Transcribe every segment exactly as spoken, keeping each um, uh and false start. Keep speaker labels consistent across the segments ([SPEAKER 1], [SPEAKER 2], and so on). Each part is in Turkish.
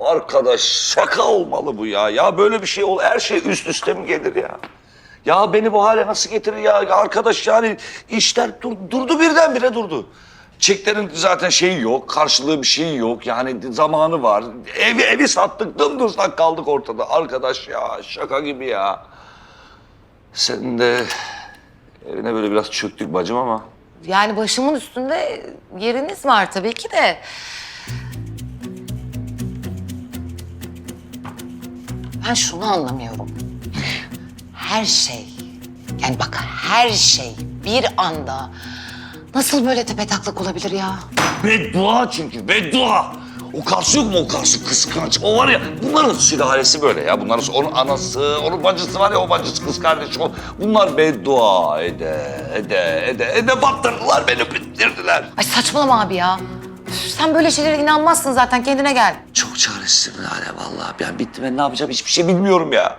[SPEAKER 1] Arkadaş şaka olmalı bu ya. Ya böyle bir şey ol, her şey üst üste mi gelir ya? Ya beni bu hale nasıl getirir ya? Ya arkadaş yani işler dur, durdu birdenbire durdu. Çeklerin zaten şeyi yok, karşılığı bir şey yok. Yani zamanı var. Evi evi sattık, dımdızlak kaldık ortada. Arkadaş ya şaka gibi ya. Senin de evine böyle biraz çöktük bacım ama.
[SPEAKER 2] Yani başımın üstünde yeriniz var tabii ki de. Ben şunu anlamıyorum. Her şey, yani bak her şey bir anda nasıl böyle tepetaklak olabilir ya?
[SPEAKER 1] Beddua çünkü, beddua. O karşı yok mu o karşı kıskanç? O var ya, bunların sülalesi böyle ya. Bunların onun anası, onun bacısı var ya, o bacısı kız kardeşi. O. Bunlar beddua ede, ede, ede, ede battırdılar beni, bitirdiler.
[SPEAKER 2] Ay saçmalama abi ya. Üf, sen böyle şeylere inanmazsın zaten, kendine gel.
[SPEAKER 1] Çok çaresizim Lale vallahi. Ben bitti, ben ne yapacağım hiçbir şey bilmiyorum ya.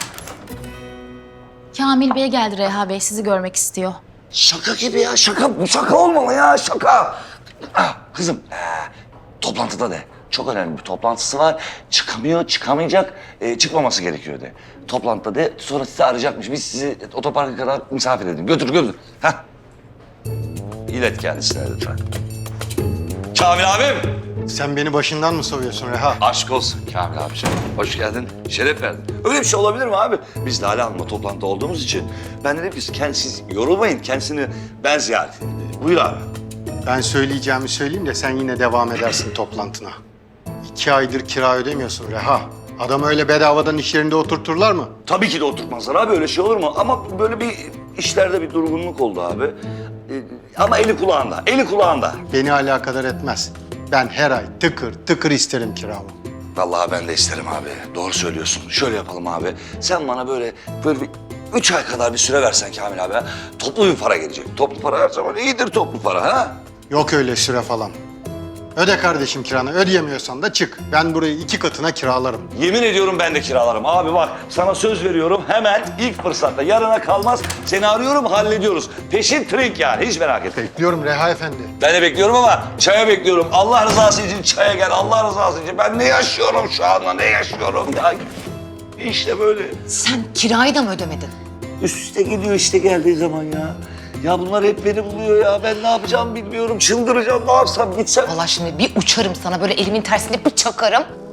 [SPEAKER 3] Kamil Bey geldi Reha Bey, sizi görmek istiyor.
[SPEAKER 1] Şaka gibi ya, şaka. Bu şaka olmalı ya, şaka. Ah, kızım, ee, toplantıda de. Çok önemli bir toplantısı var. Çıkamıyor, çıkamayacak. Ee, çıkmaması gerekiyor de. Toplantıda de, sonra sizi arayacakmış. Biz sizi otoparka kadar misafir edin. Götür, götür. Hah. İlet kendisine lütfen. Kamil abim.
[SPEAKER 4] Sen beni başından mı soruyorsun Reha?
[SPEAKER 1] Aşk olsun Kamil abiciğim. Hoş geldin, şeref verdin. Öyle bir şey olabilir mi abi? Biz Lale Hanım'la toplantıda olduğumuz için ben dedim ki kendisiz yorulmayın, kendisini ben ziyaret edeyim dedim. Buyur abi.
[SPEAKER 4] Ben söyleyeceğimi söyleyeyim de sen yine devam edersin toplantına. İki aydır kira ödemiyorsun Reha. Adamı öyle bedavadan iş yerinde oturturlar mı?
[SPEAKER 1] Tabii ki de oturtmazlar abi, öyle şey olur mu? Ama böyle bir işlerde bir durgunluk oldu abi. Ee, ama eli kulağında, eli kulağında.
[SPEAKER 4] Beni alakadar etmez. Ben her ay tıkır tıkır isterim kiramı.
[SPEAKER 1] Vallahi ben de isterim abi. Doğru söylüyorsun. Şöyle yapalım abi. Sen bana böyle böyle bir üç ay kadar bir süre versen Kamil abi. Ha? Toplu bir para gelecek. Toplu para her zaman iyidir toplu para ha.
[SPEAKER 4] Yok öyle süre falan. Öde kardeşim kiranı. Ödeyemiyorsan da çık. Ben burayı iki katına kiralarım.
[SPEAKER 1] Yemin ediyorum ben de kiralarım. Abi bak sana söz veriyorum hemen ilk fırsatta yarına kalmaz seni arıyorum hallediyoruz. Peşin trink yani hiç merak etme.
[SPEAKER 4] Bekliyorum Reha Efendi.
[SPEAKER 1] Ben de bekliyorum ama çaya bekliyorum. Allah rızası için çaya gel. Allah rızası için. Ben ne yaşıyorum şu anda ne yaşıyorum ya. İşte böyle.
[SPEAKER 2] Sen kirayı da mı ödemedin?
[SPEAKER 1] Üst üste geliyor işte geldiği zaman ya. Ya bunlar hep beni buluyor ya. Ben ne yapacağım bilmiyorum. Çıldıracağım. Ne yapsam gitsem.
[SPEAKER 2] Vallahi şimdi bir uçarım sana, böyle elimin tersine bir çakarım.